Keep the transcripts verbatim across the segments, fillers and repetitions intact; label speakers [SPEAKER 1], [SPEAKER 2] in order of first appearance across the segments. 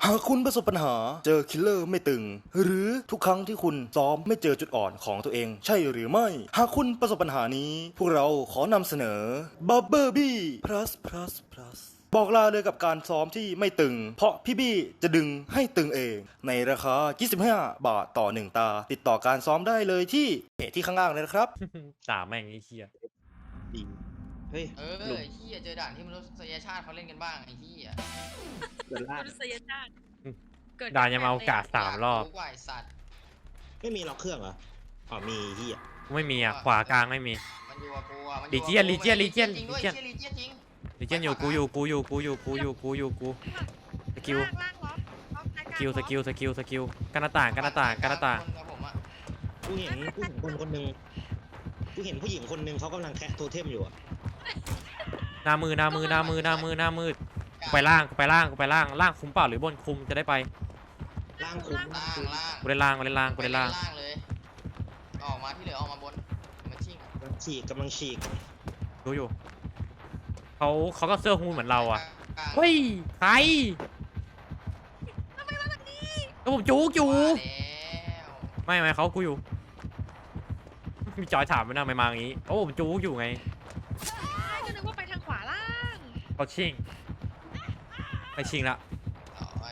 [SPEAKER 1] หากคุณประสบปัญหาเจอคิลเลอร์ไม่ตึงหรือทุกครั้งที่คุณซ้อมไม่เจอจุดอ่อนของตัวเองใช่หรือไม่หากคุณประสบปัญหานี้พวกเราขอนำเสนอ Bubble Bee plus plus plus บอกลาเลยกับการซ้อมที่ไม่ตึงเพราะพี่บี้จะดึงให้ตึงเองในราคายี่สิบห้าบาทต่อหนึ่งตาติดต่อการซ้อมได้เลยที่เพจที่ข้างล่างเลยนะครับ
[SPEAKER 2] ด่าแม่งไอ้เหี้ย
[SPEAKER 3] ดีเฮ้ย
[SPEAKER 4] เออ
[SPEAKER 3] หลุม
[SPEAKER 4] ไอ้เหี้ยเจอด่านที่มนุษยชาติเขาเล่นกันบ้างไอ้เหี้ย
[SPEAKER 3] เดินลาด
[SPEAKER 5] มนุษยชาติเกิด
[SPEAKER 2] ด่ายังมาเอากาดสามรอบ
[SPEAKER 4] ยกรู้กว่าไอ้สัตว์
[SPEAKER 3] ไม่มีล็อกเครื่องเหรออ๋อมีเฮีย
[SPEAKER 2] ไม่มีอ่ะขวากลางไม่มี
[SPEAKER 4] มันอยู่กับกูอ่ะมันอ
[SPEAKER 2] ลี
[SPEAKER 4] ยู่กับ
[SPEAKER 2] เจียน
[SPEAKER 4] กู
[SPEAKER 2] ลีเจียน
[SPEAKER 4] มั
[SPEAKER 2] ลีเจียน
[SPEAKER 4] จริงด้วย
[SPEAKER 2] ลีเจียน
[SPEAKER 4] เชี่ยลีเจียนจริง
[SPEAKER 2] ลิเจนอยู่กูอยู่กูอยู่กูอยู่กูอยู่กูอยู่กูสกิล
[SPEAKER 5] ล่างล่างล็อกล็อกซ้าย
[SPEAKER 2] สกิลสกิลสกิลสกิลกันหน้าต่างกันหน้าต่างกันหน้าต่าง
[SPEAKER 4] คนกับผมอะ
[SPEAKER 3] กูเห็นกูเห็นคนคนหนึ่งกูเห็นผู้หญิงคนหนึ่งเขากำลังแคะโทเทมอยู่อะ
[SPEAKER 2] หน้ามือหน้ามือหน้ามือหน้ามือหน้ามืดกูไปล่างกูไปล่างกูไปล่างล่างคุมเปล่าหรือบนคุมจะได้ไป
[SPEAKER 3] ล่างคุ้ม
[SPEAKER 4] ล่างล่าง
[SPEAKER 2] กูได้ล่างกูได้ล่างกูได้ล่าง
[SPEAKER 4] ไปล่างเลยออกมาที่เหลือออกมาบนมันชิ่งอะ
[SPEAKER 3] กำลังฉีกกำลังฉีก
[SPEAKER 2] ดูอยู่เขาเขาก็เสื้อฮูดเหมือนเราอ่ะ
[SPEAKER 4] กลาง
[SPEAKER 2] เฮ้ยใครก็ผมจู๊กอยู่
[SPEAKER 4] ว่าแล้ว
[SPEAKER 2] ไม่ไม่เขากูอยู่มีจอยถามไปนะไม่มาอย่างงี้โอ้ผมจู๊กอยู่ไง
[SPEAKER 5] ใช่ก็นึกว่าไปทางขวาล่าง
[SPEAKER 2] เขาชิงไปชิงละ
[SPEAKER 4] เอาไว้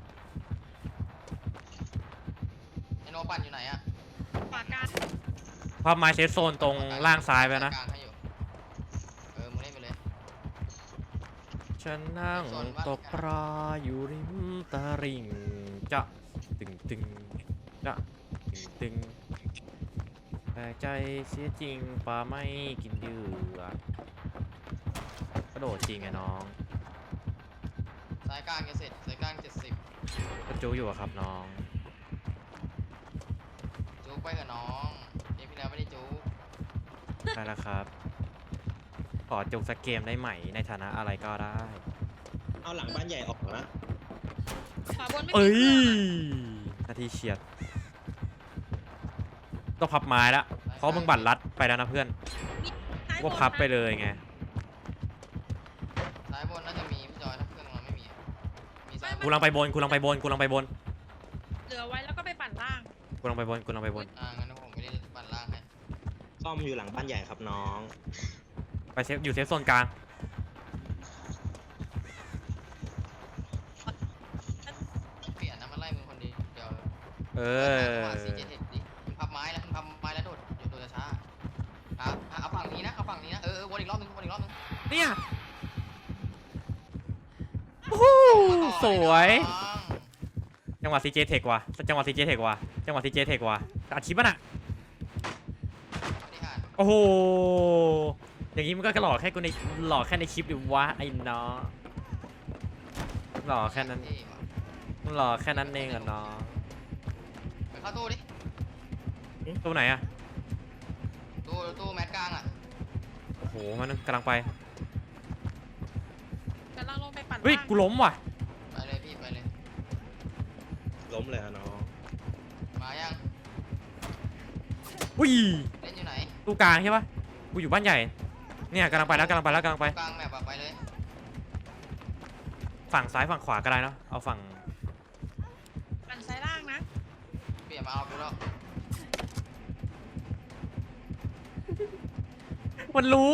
[SPEAKER 4] ไอ้โนปั่นอยู่ไหนอะ
[SPEAKER 5] ขวากลาง
[SPEAKER 2] ภาพไม้เซฟโซนตรงล่างซ้ายไปนะ
[SPEAKER 4] กลางให้อยู่เออมึงเล่นไปเลย
[SPEAKER 2] ฉันนั่งตกปลาอยู่ริมตลิ่งจะตึงตึงจะตึงตึงแต่ใจเสียจริงปลาไม่กินเดือดกระโดดจริงไงน้อง
[SPEAKER 4] สายกลางจะเสร็จสายกลางเจ็ดสิบ
[SPEAKER 2] ก็จูอยู่อะครับน้อง
[SPEAKER 4] จุกไปกับน้องเกมที่แล้วไม่ได้จุก
[SPEAKER 2] ได้แล้วครับขอจุกสักเกมได้ไหมในฐานะอะไรก็ได้
[SPEAKER 3] เอาหลังบ้านใหญ่ออกนะ
[SPEAKER 5] ขวาบนไม่
[SPEAKER 2] เอ้
[SPEAKER 5] มี
[SPEAKER 2] ย
[SPEAKER 5] เครื่องอะ
[SPEAKER 2] นาทีเฉียดต้องพับไม้ละเพราะมึงบัตรลัดไปแล้วนะเพื่อน
[SPEAKER 5] ซ้ายบ
[SPEAKER 2] ว่าน พับไปเลยไง
[SPEAKER 4] สายบนน่าจะมีพี่จอยถ้าเครื่องเราไม่มีอะมีสาย
[SPEAKER 2] กูลังไปบนกูลังไปบนกูลังไปบน
[SPEAKER 5] เหลือไว้แล้วก็ไปปั่นล่าง
[SPEAKER 2] กูลังไปบนกูลังไปบน
[SPEAKER 4] อ่างั้นผมไม่ได้ปั่นล่างให้
[SPEAKER 3] ซ่อมอยู่หลังบ้านใหญ่ครับน้อง
[SPEAKER 2] ไปเซฟอยู่เซฟโซนกลาง
[SPEAKER 4] เปลี่ยนนะมันไล่มึงคนเดียวเดี๋ยว
[SPEAKER 2] เออ
[SPEAKER 4] ซีเจเทคดิมึงพับไม้แล้วมึงพับไม้แล้วโดดโดดโดดช้าครับอ่ะเอาฝั่งนี้นะเอาฝั่งนี้นะเออเออวนอีกรอบนึงวนอีกรอบนึง
[SPEAKER 2] เนี่ยโอ้โหสวย จังหวะซีเจเทคว่ะจังหวะซีเจเทคว่ะจังหวะซีเจเทคว่ะอัดคลิปป่ะน่ะ
[SPEAKER 4] นี่อ่าน
[SPEAKER 2] โอ้โหอย่างงี้มันก็หลอกแค่กูในหลอกแค่ในคลิปดิวะไอ้น้องหลอกแค่นั้น
[SPEAKER 4] เท่ว่ะ
[SPEAKER 2] หลอกแค่นั้นเองเหรอน้อง
[SPEAKER 4] ไปเข้าตู้ดิ
[SPEAKER 2] ตัวไหนอะ
[SPEAKER 4] ตู้ตู้แมทกลางอ่ะ
[SPEAKER 2] โอ้โหมันกำลังไป
[SPEAKER 5] กำลังลงไปปั่น
[SPEAKER 2] เฮ้ย
[SPEAKER 5] ล่าง
[SPEAKER 2] กูล้มว่ะ
[SPEAKER 4] ไปเลยพี่ไปเลย
[SPEAKER 3] ล้มเลยอะน้อง
[SPEAKER 4] มายัง
[SPEAKER 2] อุ้ย
[SPEAKER 4] เล่นอยู่ไหน
[SPEAKER 2] ตู้กลางใช่ปะกูอยู่บ้านใหญ่เนี่ยกำลังไปแล้วกำลังไปแล้วกำลังไป
[SPEAKER 4] กลางแมปอะไปเลย
[SPEAKER 2] ฝั่งซ้ายฝั่งขวาก็ได้เนาะเอาฝั่ง
[SPEAKER 5] ปั่นซ้ายล่างนะ
[SPEAKER 4] เปลี่ยนมาเอากูแล้ว
[SPEAKER 2] มันรู้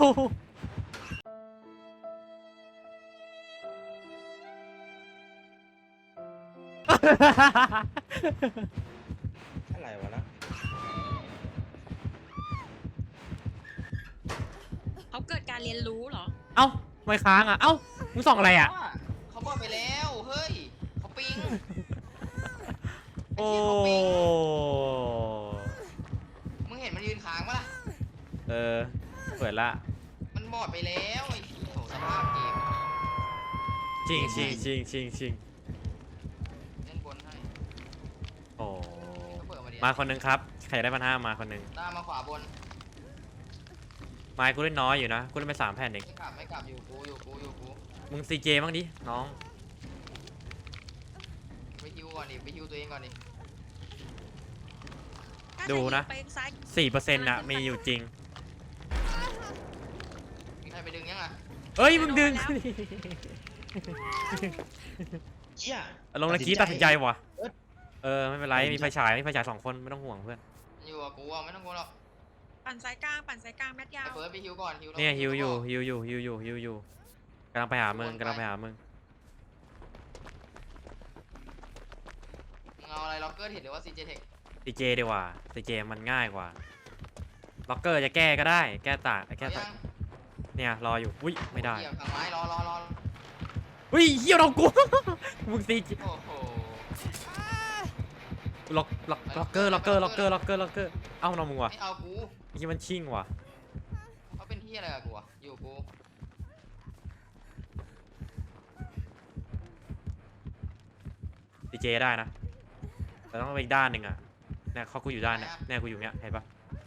[SPEAKER 3] อะไรวะนะ
[SPEAKER 5] เขาเกิดการเรียนรู้เหรอ
[SPEAKER 2] เอ้าไม่ค้างอ่ะเอ้ามึงส่องอะไรอ่ะ
[SPEAKER 4] เขาบอกไปแล้วเฮ้ยเขาปิง
[SPEAKER 2] โอ้
[SPEAKER 4] มึงเห็นมันยืนค้างปะล่ะ
[SPEAKER 2] เออเปิดละ
[SPEAKER 4] มันบอดไปแล้วไอ้โหสภาพเกม
[SPEAKER 2] จริงจริงจริงจริงจริง
[SPEAKER 4] เล่นบนให้
[SPEAKER 2] โอ้
[SPEAKER 4] ก็เปิดมาดิ
[SPEAKER 2] มาคนหนึงครับใครได้พันห้ามาคนหนึง
[SPEAKER 4] ตามมาขวาบน
[SPEAKER 2] ไม้กูเล่นน้อยอยู่นะกูเล่นไปสามแผ่นเอง
[SPEAKER 4] ไม่กลับไม่กลับอยู่กูอยู่กูอยู่กู
[SPEAKER 2] มึงซีเจบ้างดิน้อง
[SPEAKER 4] ไปฮิวก่อนดิไปฮิวตัวเองก่อนดิ
[SPEAKER 5] ถ้า
[SPEAKER 2] ดูนะ
[SPEAKER 5] ไปซ้าย
[SPEAKER 2] สี่เปอร์เซ็นต์อะมีอยู่จริง
[SPEAKER 4] มีใครไปดึงยังอ่ะ
[SPEAKER 2] เอ้ยมึงดึง
[SPEAKER 3] เชี่ย
[SPEAKER 2] ลงตะกี้ตัดสินใจว่ะ
[SPEAKER 3] เอิร์ธ
[SPEAKER 2] เออไม่เป็นไรมีไฟฉายมีไฟฉายสองคนไม่ต้องห่วงเพื่อน
[SPEAKER 4] อยู่กับกูอ่ะไม่ต้องกลัวหรอก
[SPEAKER 5] ปั่นสายกลางปั่นสายกลางแมทยา
[SPEAKER 4] ไอ้
[SPEAKER 5] ว
[SPEAKER 4] เฟิร์สไปฮิวก่อนฮิว
[SPEAKER 2] เนี่ยฮิวอยู่ฮิวอยู่ฮิวอยู่ฮิวอยู่กำลังไปหามึงกำลังไปหามึง
[SPEAKER 4] มึงเอาอะไรล็อกเกอร์เห็นหรือว่าซีเจเทค
[SPEAKER 2] ซีเจดีกว่าซีเจมันง่ายกว่าล็อกเกอร์จะแก้ก็ได้แก้ตากแก้
[SPEAKER 4] เอา
[SPEAKER 2] ตา
[SPEAKER 4] ยั
[SPEAKER 2] ก
[SPEAKER 4] ง
[SPEAKER 2] เนี่ยรออยู่อุ้ยไม่ได้
[SPEAKER 4] เหยียบทางไม้รอรอรอ
[SPEAKER 2] อุ้ยเฮียเรากู มึงซีเจ
[SPEAKER 4] โอ้โห
[SPEAKER 2] ล็อกล็อกล็อกเกอร์ล็อกเกอร์ล็อกเกอร์ล็อกเกอร์ล็อกเกอร์เอ้าน้องมึงวะ
[SPEAKER 4] ไม่เอากู
[SPEAKER 2] ไอ้ที่มันชิ่งว่ะ
[SPEAKER 4] เขาเป็นที่อะไรกับกูอ่ะอยู่กู
[SPEAKER 2] ซีเจได้นะแต่ต้องไปอีกด้านหนึ่งอ่ะเนี่ยเขากูอยู่ด้านเนี่ยเนี่ยกูอยู่เนี้ยเห็นปะ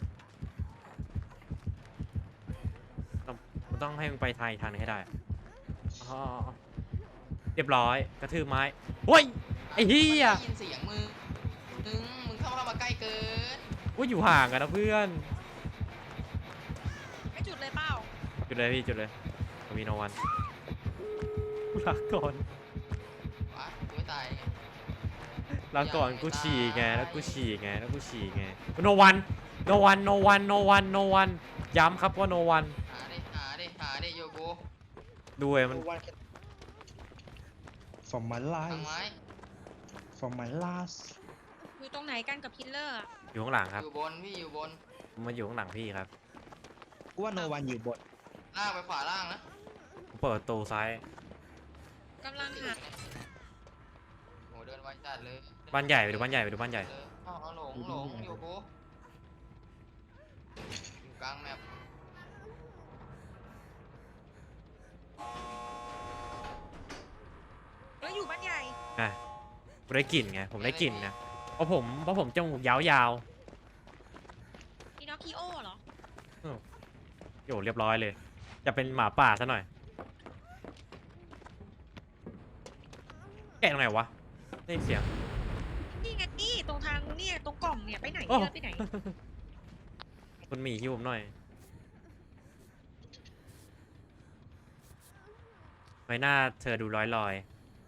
[SPEAKER 2] ต้องมันต้องให้มึงไปทางอีกทางหนึงให้ได้อ๋อเรียบร้อยกระทืบไม้เฮ้ยไอ้เหี้ย
[SPEAKER 4] ได้ยินเสียงมึงมึงมึงเข้ามาใกล้เกิน
[SPEAKER 2] ว่าอยู่ห่างกันนะเพื่อน
[SPEAKER 5] ไม่จุดเลยเปล่า
[SPEAKER 2] จุดเลยพี่จุดเลยผมมีโนวันลาก่อน
[SPEAKER 4] วะกูไม่ตายไง
[SPEAKER 2] ลาก่อนกูฉี่ไงแล้วกูฉี่ไงแล้วกูฉี่ไงโนวันโนวันโนวันโนวันโนวันย้ำครับว่าโนวัน
[SPEAKER 4] หาดิหาดิหาดิอยู่กู
[SPEAKER 2] ดูไอ้มัน
[SPEAKER 3] วัน from my
[SPEAKER 4] ทางไม้
[SPEAKER 3] life from my last
[SPEAKER 5] อยู่ตรงไหนกันกับคิลเลอร์อะ
[SPEAKER 2] อยู่ข้างหลังครับ
[SPEAKER 4] อยู่บนพี่อยู่บน
[SPEAKER 2] มันอยู่ข้างหลังพี่ครับ
[SPEAKER 3] กูว่าโนวันอยู่บน
[SPEAKER 4] ล่างไปขวาล่างนะ
[SPEAKER 2] ผมเปิดประตูซ้าย
[SPEAKER 5] กำลังหา
[SPEAKER 4] โหเดินไวจัดเลย
[SPEAKER 2] บ้านใหญ่ไปดูบ้านใหญ่ไปดูบ้านใหญ่
[SPEAKER 4] เอาเอาหลงหลงอยู่กูอยู่กลางแมป
[SPEAKER 5] แล้วอยู่บ้านใหญ่
[SPEAKER 2] อ่ะผมได้กลิ่นไงผมได้กลิ่นนะเพราะผมเพราะผมจมูกยาว
[SPEAKER 5] พีนอคคิโอเหรอ
[SPEAKER 2] ๆโยเรียบร้อยเลย จะเป็นหมาป่าซะหน่อยแกะตรงไหนวะได้ยินเสียง
[SPEAKER 5] นี่ไงนี่ตรงทางเนี่ยตรงกล่องเนี่ยไปไหน
[SPEAKER 2] โอ้
[SPEAKER 5] เดินไปไหน
[SPEAKER 2] คุณหมีหิวผมหน่อยใบหน้าเธอดูร้อยลอย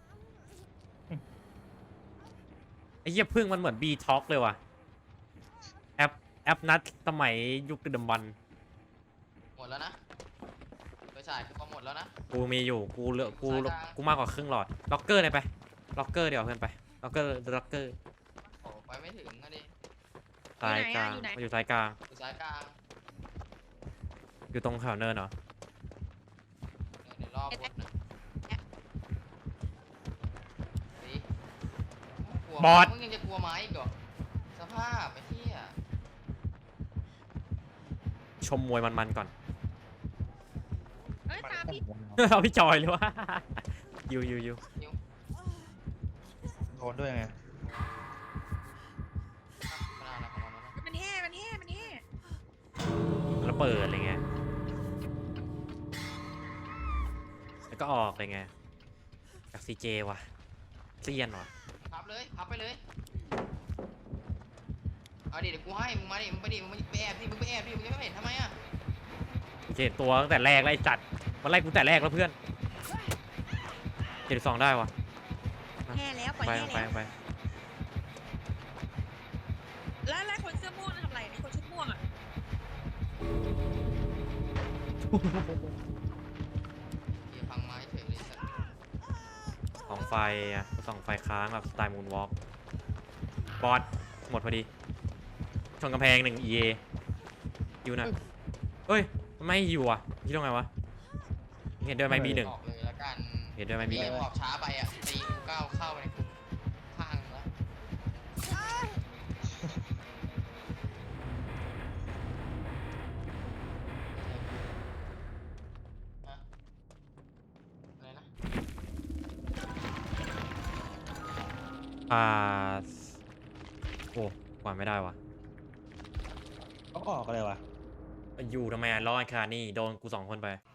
[SPEAKER 2] ไอ้เหี้ยพึ่งมันเหมือนบีท็อกเลยว่ะแอปแอปนัดสมัยยุคดึกดำบรรพ์
[SPEAKER 4] หมดแล้วนะไปฉายคือหมดแล้วนะ
[SPEAKER 2] กูมีอยู่กูเหลือกู
[SPEAKER 4] สายกลาง
[SPEAKER 2] กูมากกว่าครึ่งหลอดล็อกเกอร์เลยไปล็อกเกอร์เดี๋ยวเพื่อนไปล็อกเกอร์ล็อกเกอร์
[SPEAKER 4] โอ้ไปไม่ถึงนะดิ
[SPEAKER 2] ซ้ายกลางมาอยู่ซ้ายกลาง
[SPEAKER 4] อยู่ซ้ายกลาง
[SPEAKER 2] อยู่ตรงแถวเนินเหรอ
[SPEAKER 4] เดี๋ยวรอบบดนะสิกลัว
[SPEAKER 2] บอส
[SPEAKER 4] มึงยังจะกลัวไม้อีกเหรอสภาพไอ้เหี้ย
[SPEAKER 2] ชมมวยมันๆก่อน
[SPEAKER 5] เอ้ยตามพี่
[SPEAKER 2] เอาพี่จอยเลยวะ ยูยูยู
[SPEAKER 3] โดนด้วยไง
[SPEAKER 4] อ่ะมันเอาอะไรของมันวะเนี่ย
[SPEAKER 5] มันแห่มันแห่มันแห่
[SPEAKER 2] แล้วเปิดอะไรเงี้ยแล้วก็ออกอะไรเงี้ยจากซีเจว่ะเซียนว่ะ
[SPEAKER 4] พับเลยพับไปเลยเอาดิเดี๋ยวกูให้มึงมาดิมึงไปดิมึงไปแอบดิมึงไปแอบดิมึงจะไม่เห็นทำไมอ่ะ
[SPEAKER 2] เจ็ดตัวตั้งแต่แรกไล่จัดมันไล่กูแต่แรกแล้วเพื่อนเจ็ดสองได้ว่ะ
[SPEAKER 5] แห่แล้วปล่อย
[SPEAKER 2] ไป
[SPEAKER 5] แห่
[SPEAKER 2] ไป
[SPEAKER 5] แล้ว
[SPEAKER 2] ไป
[SPEAKER 5] แล้วแล้วคนเสื้อม่วงทำอะไรเนี่ยคนชุดม่วงอ่ะ
[SPEAKER 4] เหี้ยพังไม้เฉยเลยสัตว์
[SPEAKER 2] สองไฟอ่ะสองไฟค้างแบบสไตล์มูนวอล์กบอสหมดพอดีชนกำแพงหนึ่งเอยูน่ะเฮ้ยมันไม่อยู่อ่ะคิดว่าไงวะเห็นด้วยไหมบีหนึ่ง
[SPEAKER 4] ออกเลยละกัน
[SPEAKER 2] เห็นด้วยไหมบี
[SPEAKER 4] พี่
[SPEAKER 2] หนึ่ง
[SPEAKER 4] ออกช้าไปอ่ะตีกูก้าวเข้าไปในข้างแล้วฮะอะไรนะ
[SPEAKER 2] อ่าโอ้กว่าไม่ได้วะ
[SPEAKER 3] ต้องออกอะไรวะ
[SPEAKER 2] อยู่ทำไมอ่ะรอดขนาดนี้โดนกูสองคนไป